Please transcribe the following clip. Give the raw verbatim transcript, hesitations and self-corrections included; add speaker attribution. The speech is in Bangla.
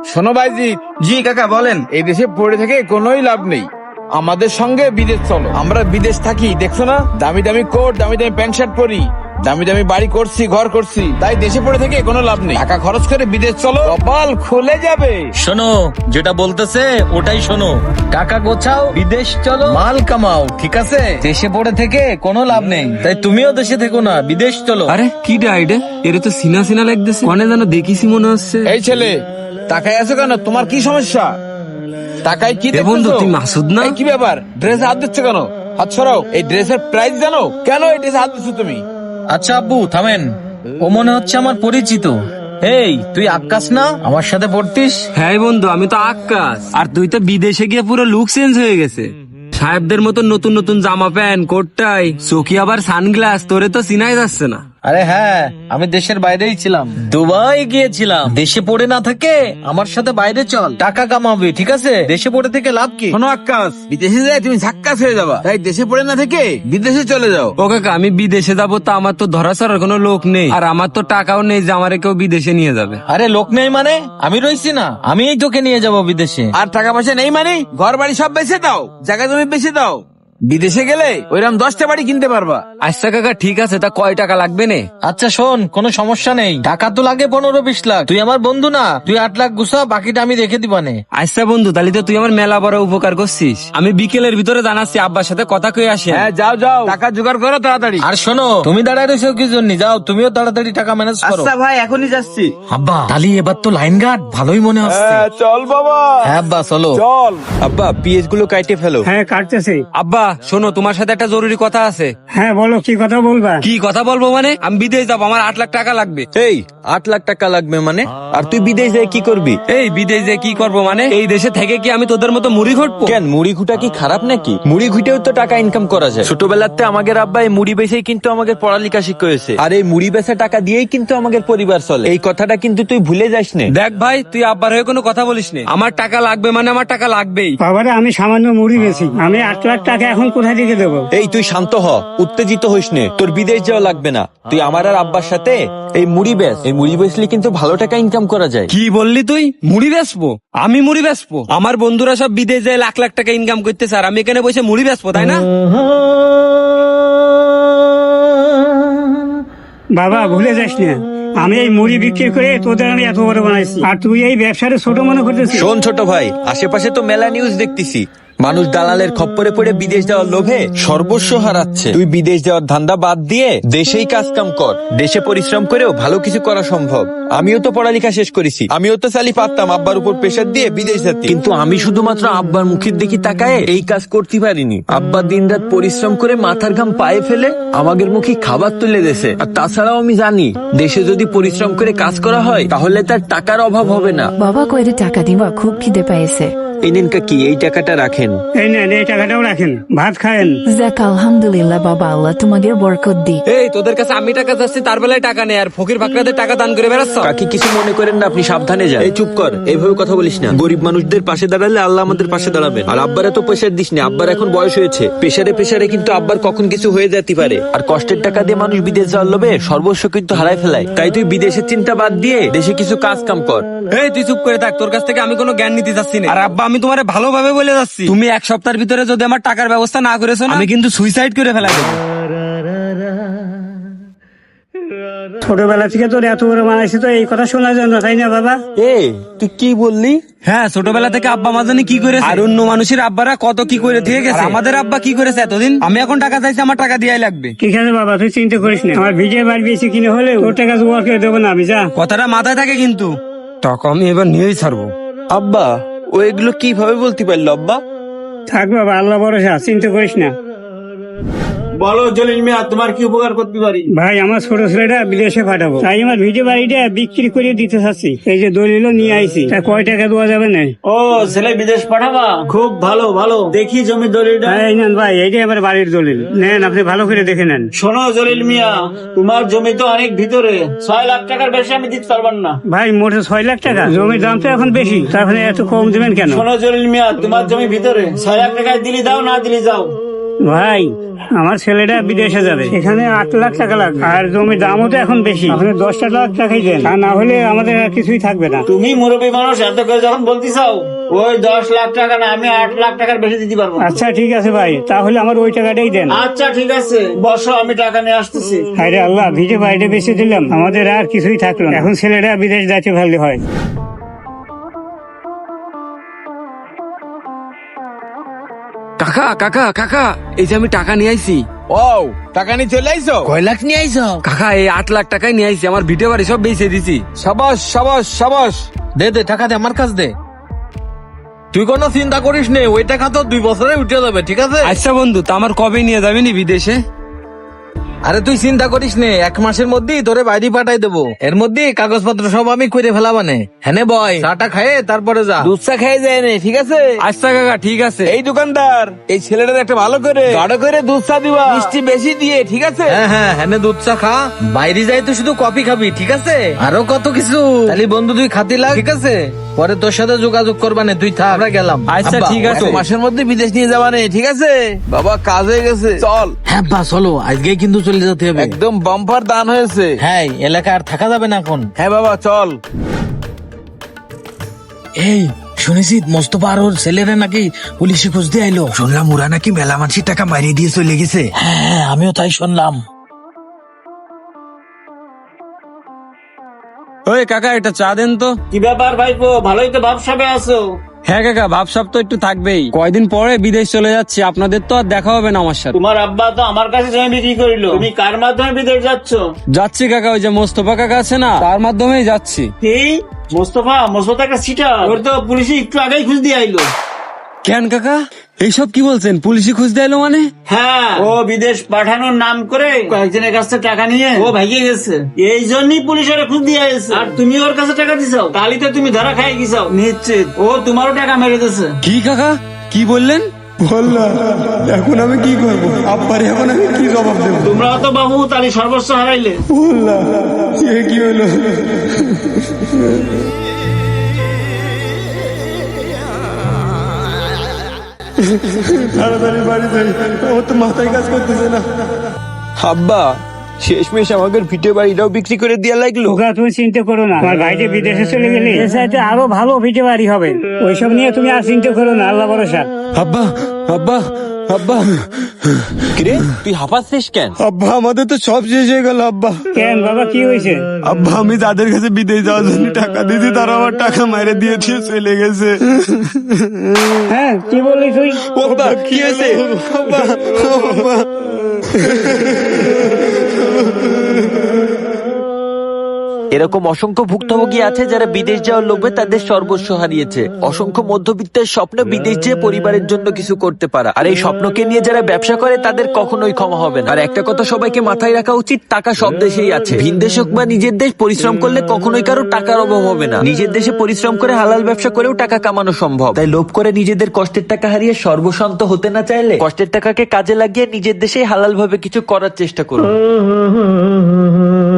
Speaker 1: শোনো ভাইজিৎ,
Speaker 2: জি কাকা বলেন।
Speaker 1: এই দেশে পড়ে থেকে কোনোই লাভ নেই। আমাদের সঙ্গে বিদেশ চলো। আমরা বিদেশ থাকি, দেখছো না, দামি দামি কোট, দামি দামি প্যান্ট শার্ট পরি, দামি দামি বাড়ি করছি, ঘর করছি। তাই দেশে পড়ে থেকে কোনো লাভ নেই। টাকা খরচ করে বিদেশ চলো, কপাল খুলে যাবে।
Speaker 3: শোনো, যেটা বলতেছে ওটাই শোনো। টাকা গোছাও, বিদেশ চলো, মাল কামাও, ঠিক আছে? দেশে পড়ে থেকে কোনো লাভ নেই। তাই তুমিও দেশে থেকো না, বিদেশ চলো।
Speaker 2: আরে কি ডাইডে, এর তো সিনা সিনা লাগতেছে, কনে যেন দেখিছি মনে হচ্ছে।
Speaker 1: এই ছেলে, টাকায় আছো কেন? তোমার কি সমস্যা? টাকায় কি
Speaker 2: এ বন্ধু,
Speaker 1: দেখতেছো?
Speaker 2: তুই মাসুদ না?
Speaker 1: এই কি ব্যাপার? ড্রেসে হাত দিচ্ছ কেন? হাত সরাও। এই ড্রেসের প্রাইস জানো? কেন এই ড্রেসে হাত দিচ্ছ তুমি?
Speaker 3: আচ্ছা আব্বু থামেন, ও মনে হচ্ছে আমার পরিচিত। এই তুই আকাশ না, আমার সাথে পড়তিস?
Speaker 2: হ্যাঁ বন্ধু, আমি তো আকাশ। আর তুই তো বিদেশে গিয়ে পুরো লুক চেঞ্জ হয়ে গেছে। সাহেবদের মতো নতুন নতুন জামা প্যান্ট, কোট টাই, চোখে আবার সানগ্লাস, তোরে তো চিনাই যাচ্ছে না।
Speaker 3: আরে হ্যাঁ, আমি দেশের বাইরেই ছিলাম, দুবাই গিয়েছিলাম। দেশে পড়ে না থাকে আমার সাথে বাইরে চল, টাকা কামাবে, ঠিক আছে? দেশে পড়ে থেকে লাভ কি?
Speaker 1: শোনো আকাশ, বিদেশে যায় তুমি ঝাক্কাস হয়ে যাবা। তাই দেশে পড়ে না থেকে বিদেশে চলে যাও।
Speaker 2: ও কাকা, আমি বিদেশে যাবো তো আমার তো ধরা ছাড়ার কোনো লোক নেই, আর আমার তো টাকাও নেই যে আমারে কেউ বিদেশে নিয়ে যাবে।
Speaker 3: আরে লোক নেই মানে? আমি রইছি না, আমিই তোকে নিয়ে যাব বিদেশে।
Speaker 1: আর টাকা পয়সা নেই মানে ঘর বাড়ি সব বেচে দাও, জায়গা জমি বেচে দাও। বিদেশে গেলে ওইরকম দশটা বাড়ি কিনতে পারবা।
Speaker 2: আচ্ছা কাকা ঠিক আছে, তা কয় টাকা লাগবে নে?
Speaker 3: আচ্ছা শোন, কোনো সমস্যা নেই, টাকা তো লাগে পনেরো বিশ লাখ। তুই আমার বন্ধু না, তুই আট লাখ গুছা, বাকিটা আমি রেখে দিবানে।
Speaker 2: আচ্ছা বন্ধু, তাহলে তো তুই আমার মেলা বড় উপকার করছিস। আমি বিকেলের ভিতরে জানাচ্ছি, আব্বার সাথে কথা কয়ে আসি।
Speaker 1: হ্যাঁ যাও যাও, টাকা জোগাড় করো তাড়াতাড়ি।
Speaker 3: আর শোনো, তুমি দাঁড়ায় রয়েছো কি জন্য? যাও, তুমিও তাড়াতাড়ি টাকা ম্যানেজ করো।
Speaker 4: আচ্ছা ভাই, এখনই যাচ্ছি।
Speaker 3: আব্বা তালি এবার তো লাইন গার্ড ভালোই মনে হচ্ছে।
Speaker 1: চল বাবা,
Speaker 3: হ্যাঁ আব্বা চলো।
Speaker 1: চল।
Speaker 5: আব্বা পিএস গুলো কাইটে ফেলো।
Speaker 6: হ্যাঁ কাটতেছি।
Speaker 2: আব্বা শোনো, তোমার সাথে একটা জরুরি কথা আছে।
Speaker 6: হ্যাঁ বলো, কি কথা বলবা?
Speaker 2: কি কথা বলবো মানে? আমি বিদেশ যাবো, আমার আট লাখ টাকা লাগবে।
Speaker 5: এই আট লাখ টাকা লাগবে মানে? আর তুই বিদেশ যায় কি করবি?
Speaker 2: এই বিদেশ যে কি করবো মানে? এই দেশে থেকে কি আমি তোদের মতো মুড়ি ঘটবো?
Speaker 5: কেন, মুড়ি ঘুটা কি খারাপ নাকি? মুড়ি ঘুটেও তো টাকা ইনকাম করা যায়। ছোটবেলাতে আমাদের আব্বা এই মুড়ি বেচেই কিন্তু আমাদের পড়ালেখা শিখিয়েছে, আর এই মুড়ি বেচা টাকা দিয়েই কিন্তু আমাদের পরিবার চলে। এই কথাটা কিন্তু তুই ভুলে যাস না।
Speaker 2: দেখ ভাই, তুই আব্বার হয়ে কোনো কথা বলিস না। আমার টাকা লাগবে মানে আমার টাকা লাগবেই।
Speaker 6: বাবারে, আমি সামান্য মুড়ি বেশি, আমি আট লাখ টাকা এখন কোথায় থেকে দেবো?
Speaker 5: এই তুই শান্ত হ, উত্তেজিত হইস নে। তোর বিদেশ যাওয়া লাগবে না, তুই আমার আর আব্বার সাথে এই মুড়ি বেচ। এই মুড়ি বেচলে কিন্তু ভালো টাকা ইনকাম করা যায়।
Speaker 2: কি বললি তুই? মুড়ি বেচবো? আমি মুড়ি বেচবো? আমার বন্ধুরা সব বিদেশ যায় লাখ লাখ টাকা ইনকাম করতেছে, আর আমি এখানে বসে মুড়ি বেচবো, তাই না?
Speaker 6: বাবা ভুলে যাস না, আমি এই মুড়ি বিক্রি করে তোদের আমি এত বড় বানাইছি, আর তুই এই ব্যবসাটা ছোট মনে করতেছিস।
Speaker 5: শোন ছোট ভাই, আশেপাশে তো মেলা নিউজ দেখতেছি, মানুষ দালালের খপ্পরে পড়ে বিদেশ যাওয়ার লোভে সর্বস্ব হারাচ্ছে। তুই বিদেশ যাওয়ার ধান্দা বাদ দিয়ে দেশেই কাজ কাম কর। দেশে পরিশ্রম করেও ভালো কিছু করা সম্ভব। আমিও তো পড়ালেখা শেষ করেছি, আমিও তো চালি পারতাম আব্বার উপর প্রেশার দিয়ে বিদেশ যেতে, কিন্তু আমি শুধুমাত্র আব্বার মুখের দিকে তাকায় এই কাজ করতে পারিনি। আব্বা দিনরাত পরিশ্রম করে মাথার ঘাম পায়ে ফেলে আমাদের মুখে খাবার তুলে দেছে। আর তাছাড়াও আমি জানি, দেশে যদি পরিশ্রম করে কাজ করা হয় তাহলে তার টাকার অভাব হবে না।
Speaker 7: বাবা কয়টা টাকা দিবা, খুব খিদে পাইছে।
Speaker 5: এই নিন কাকি, এই টাকাটা রাখেন।
Speaker 6: এই নেন, এই টাকাটাও রাখেন, ভাত খায়েন।
Speaker 7: যাক আলহামদুলিল্লাহ বাবা, আল্লাহ তোমাদের বরকত দি।
Speaker 2: এই তোদের কাছে আমি টাকা চাচ্ছি, তার বেলায় টাকা নেই, আর ফকির ফাকরাদের টাকা দান করে বেড়াচ্ছ।
Speaker 5: কাকি কিছু মনে করেন না, আপনি সাবধানে যান। এই চুপ কর, এইভাবে কথা বলিস না। গরিব মানুষদের পাশে দাঁড়ালে আল্লাহ আমাদের পাশে দাঁড়াবেন। আর আব্বার এত প্রেশার দিস না, আব্বার এখন বয়স হয়েছে, প্রেশারে প্রেশারে কিন্তু আব্বার কখন কিছু হয়ে যেতে পারে। আর কষ্টের টাকা দিয়ে মানুষ বিদেশ যাওয়ার লোভে সর্বস্ব কিন্তু হারায় ফেলায়। তাই তুই বিদেশের চিন্তা বাদ দিয়ে দেশে কিছু কাজ কাম কর।
Speaker 2: এই তুই চুপ করে থাক, তোর কাছ থেকে আমি কোনো জ্ঞান নিতে চাচ্ছি না। আর আব্বা, আমি তোমার ভালোভাবে বলে যাচ্ছি, তুমি এক সপ্তাহের ভিতরে যদি আমার টাকার ব্যবস্থা না করেছো না, আমি কিন্তু সুইসাইড করে ফেলা দেবো।
Speaker 6: ছোটবেলা থেকে তোর এত বড় বানাইছি তো এই কথা শোনার জন্য, তাই না বাবা?
Speaker 5: এ তুই কি বললি?
Speaker 2: হ্যাঁ, ছোটবেলা থেকে আব্বা মা জানি কি করেছে, আর অন্য মানুষের আব্বারা কত কি করে দিয়ে গেছে, আর আমাদের আব্বা কি করেছে এতদিন। আমি এখন টাকা চাইছি, আমার টাকা দিয়াই লাগবে।
Speaker 6: ঠিক আছে বাবা, তুই চিন্তা করিস না, আমার ভিজে বাড়ি বেশি কিনে হলে তোর টাকা জোগাড় করে দেবো না আমি, যা।
Speaker 2: কথাটা মাথায় থাকে কিন্তু, টাকা আমি এবার নিয়েই ছাড়বো।
Speaker 5: আব্বা ও এগুলো কিভাবে বলতে পারলো আব্বা?
Speaker 6: থাক বাবা, আল্লাহ ভরসা, চিন্তা করিস না।
Speaker 4: বলো জলিল মিয়া, তোমার কি উপকার করতে পারি?
Speaker 6: ভাই, আমার ছোট ছেলেটা বিদেশে পাঠাবো, তাই আমার ভিডিও বাড়িটা বিক্রি করে দিতে চাচ্ছি। এই যে দলিল নিয়ে আইছি, তা কয় টাকা দেওয়া যাবে না?
Speaker 4: ও ছেলে বিদেশ পাঠাবা, খুব ভালো ভালো। দেখি জমি দলিলটা।
Speaker 6: হ্যাঁ, এই নেন ভাই, এইটাই আমার বাড়ির দলিল, নেন, আপনি ভালো করে দেখে নেন।
Speaker 4: শোনো জলিল মিয়া, তোমার জমি তো অনেক ভিতরে, ছয় লাখ টাকার বেশি আমি দিতে পারবেন না।
Speaker 6: ভাই, মোটে ছয় লাখ টাকা? জমির দাম তো এখন বেশি, তারপরে এত কম দেবেন কেন?
Speaker 4: শোনো জলিল মিয়া, তোমার জমি ভিতরে, ছয় লাখ টাকায় দিলি দাও, না দিলি যাও।
Speaker 6: ভাই আমার ছেলেটা বিদেশে যাবে, এখানে আট লাখ টাকা লাগবে, আর জমির দামও তো এখন বেশি, আপনি দশটা লাখ টাকাই দেন, তা না হলে আমাদের আর কিছুই থাকবে না।
Speaker 4: তুমি মুরব্বী মানুষ এত করে যখন বলতে চাও, ওই দশ লাখ টাকা না, আমি আট লাখ টাকার বেশি দিতে পারবো না।
Speaker 6: আচ্ছা ঠিক আছে ভাই, তাহলে আমার ওই টাকাটাই দেন।
Speaker 4: আচ্ছা ঠিক আছে, বসো, আমি টাকা নিয়ে আসতেছি।
Speaker 6: আরে আল্লাহ, ভিটে বাড়িটা বেঁচে দিলাম, আমাদের আর কিছুই থাকলো না, এখন ছেলেটা বিদেশ যাচ্ছে ভালো হয়।
Speaker 2: কাকা কাকা কাকা, এই যে আমি টাকা নিয়ে আইছি।
Speaker 1: ও টাকা নিয়ে চলে আইছো?
Speaker 3: কয় লাখ নিয়ে আইছো?
Speaker 2: কাকা এই আট লাখ টাকাই নিয়ে আইছি, আমার ভিটে বাড়ি সব বেঁচে দিছি।
Speaker 1: সাবাস সাবাস সাবাস।
Speaker 3: দে দে টাকা দে, আমার কাছ দে। তুই কোনো চিন্তা করিস নে, ওই টাকা তো দুই বছরে উঠে যাবে, ঠিক আছে?
Speaker 2: আচ্ছা বন্ধু, তা আমার কবে নিয়ে যাবি নি বিদেশে?
Speaker 3: আরে তুই চিন্তা করিস নে, এক মাসের মধ্যেই তোরে বাইরে পাঠাই দেবো। এর মধ্যে কাগজপত্র সব আমি করে ফেলাবানে। হ্যাঁ বয়, চাটা খায়ে তারপরে যা।
Speaker 1: দুধ চা খেয়ে যায় না, ঠিক আছে?
Speaker 2: আচ্ছা কাকা ঠিক আছে।
Speaker 1: এই দোকানদার, এই ছেলেটার একটা ভালো করে গাঢ় করে দুধ চা দিবা, মিষ্টি বেশি দিয়ে, ঠিক আছে?
Speaker 3: হ্যাঁ হ্যাঁ হ্যাঁ, দুধ চা খা। বাইরে যাই তো শুধু কফি খাবি, ঠিক আছে? আরো কত কিছু, তাহলে বন্ধু তুই খাতি লাগ, ঠিক আছে? পরে তোর সাথে যোগাযোগ করবানে, তুই থাক, আমরা গেলাম।
Speaker 2: আচ্ছা
Speaker 3: আব্বা,
Speaker 2: ঠিক আছে।
Speaker 1: এক মাসের মধ্যে বিদেশ নিয়ে যাবা নেই, ঠিক আছে? বাবা কাজ হয়ে গেছে, চল।
Speaker 3: হ্যাঁ বা চলো, আজকে কিন্তু চলে যেতে হবে।
Speaker 1: একদম বাম্পার দান হয়েছে।
Speaker 3: হ্যাঁ, এলাকা আর থাকা যাবে না এখন।
Speaker 1: হ্যাঁ বাবা চল।
Speaker 3: এই শুনেছি মোস্তফা আর ওর ছেলেরা নাকি পুলিশে খুঁজতে আইলো। শুনলাম ওরা নাকি মেলা মানুষের টাকা মারিয়ে দিয়ে চলে গেছে। হ্যাঁ আমিও তাই শুনলাম।
Speaker 2: ওই কাকা একটা চা দেন তো।
Speaker 4: কি ব্যাপার ভাইপো, ভালোই তো ভাবসাবে আছো?
Speaker 2: হ্যাঁ কাকা, ভাবসাব তো একটু থাকবেই, কয়দিন পরে বিদেশ চলে যাচ্ছি, আপনাদের তো আর দেখা হবে না আমার সাথে।
Speaker 4: তোমার আব্বা তো আমার কাছে জমি বিক্রি করিল, তুমি কার মাধ্যমে বিদেশ যাচ্ছ?
Speaker 2: যাচ্ছি কাকা, ওই যে মোস্তফা কাকা আছে না, তার মাধ্যমেই যাচ্ছি।
Speaker 4: কি মোস্তফা? মোস্তফা একটা সিটার, ওর তো পুলিশে একটু আগেই খুঁজ দিয়ে আইলো।
Speaker 2: কেন কাকা এইসব কি বলছেন? পুলিশে খুঁজ দিলো মানে?
Speaker 4: হ্যাঁ, ও বিদেশ পাঠানোর নাম করে কয়েকজনের কাছ থেকে টাকা নিয়ে ও ভাগিয়ে গেছে, এই জন্যই পুলিশ ওরা খুঁজ দিয়ে এসেছে। আর তুমি ওর কাছে টাকা দিছাও, তাহলে তো তুমি ধরা খাই গেছাও নিশ্চিত, ও তোমারও টাকা মেরে দিয়েছে।
Speaker 2: কি কাকা কি বললেন?
Speaker 8: এখন আমি কি করবো আব্বারে, এখন আমি কি জবাব দেবো?
Speaker 4: তোমরা তো বাবু তাহলে সর্বস্ব হারাইলে।
Speaker 8: বললা সে কি হলো? তাড়াতাড়ি বাড়ি যাই, ও তো মাথায় কাজ করতেছে না।
Speaker 5: আব্বা শেষমেশ আমাদের ভিটে বাড়িটাও বিক্রি করে দেওয়া লাগলো।
Speaker 6: ওকে তুমি চিন্তা করো না, আমার ভাইটা বিদেশে চলে গেলে এর চাইতে আরো ভালো ভিটে বাড়ি হবে, ওইসব নিয়ে তুমি আর চিন্তা করো না, আল্লাহ ভরসা।
Speaker 5: আব্বা আব্বা আব্বা, কিরে তুই হাঁপাচ্ছিস কেন?
Speaker 8: আব্বা আমাদের তো সব শেষ হয়ে গেল আব্বা।
Speaker 6: কেন বাবা কি হয়েছে?
Speaker 8: আব্বা আমি যাদের কাছে বিদেশ যাওয়ার জন্য টাকা দিয়েছি তারা আমার টাকা মাইরে দিয়ে দিয়ে চলে গেছে।
Speaker 6: হ্যাঁ কি বললি তুই?
Speaker 5: আব্বা কি হয়েছে?
Speaker 8: আব্বা, আব্বা।
Speaker 5: এরকম অসংখ্য ভুক্তভোগী আছে যারা বিদেশ যাওয়ার লোভে তাদের সর্বস্ব হারিয়েছে। অসংখ্য মধ্যবিত্তের স্বপ্ন বিদেশ যেয়ে পরিবারের জন্য কিছু করতে পারা, আর এই স্বপ্নকে নিয়ে যারা ব্যবসা করে তাদের কখনোই ক্ষমা হবে না। আর একটা কথা সবাইকে মাথায় রাখা উচিত, টাকা সব দেশেই আছে, ভিন দেশ হোক বা নিজের দেশ, পরিশ্রম করলে কখনোই কারো টাকার অভাব হবে না। নিজের দেশে পরিশ্রম করে হালাল ব্যবসা করেও টাকা কামানো সম্ভব। তাই লোভ করে নিজেদের কষ্টের টাকা হারিয়ে সর্বশান্ত হতে না চাইলে কষ্টের টাকাকে কাজে লাগিয়ে নিজের দেশেই হালাল ভাবে কিছু করার চেষ্টা করুন।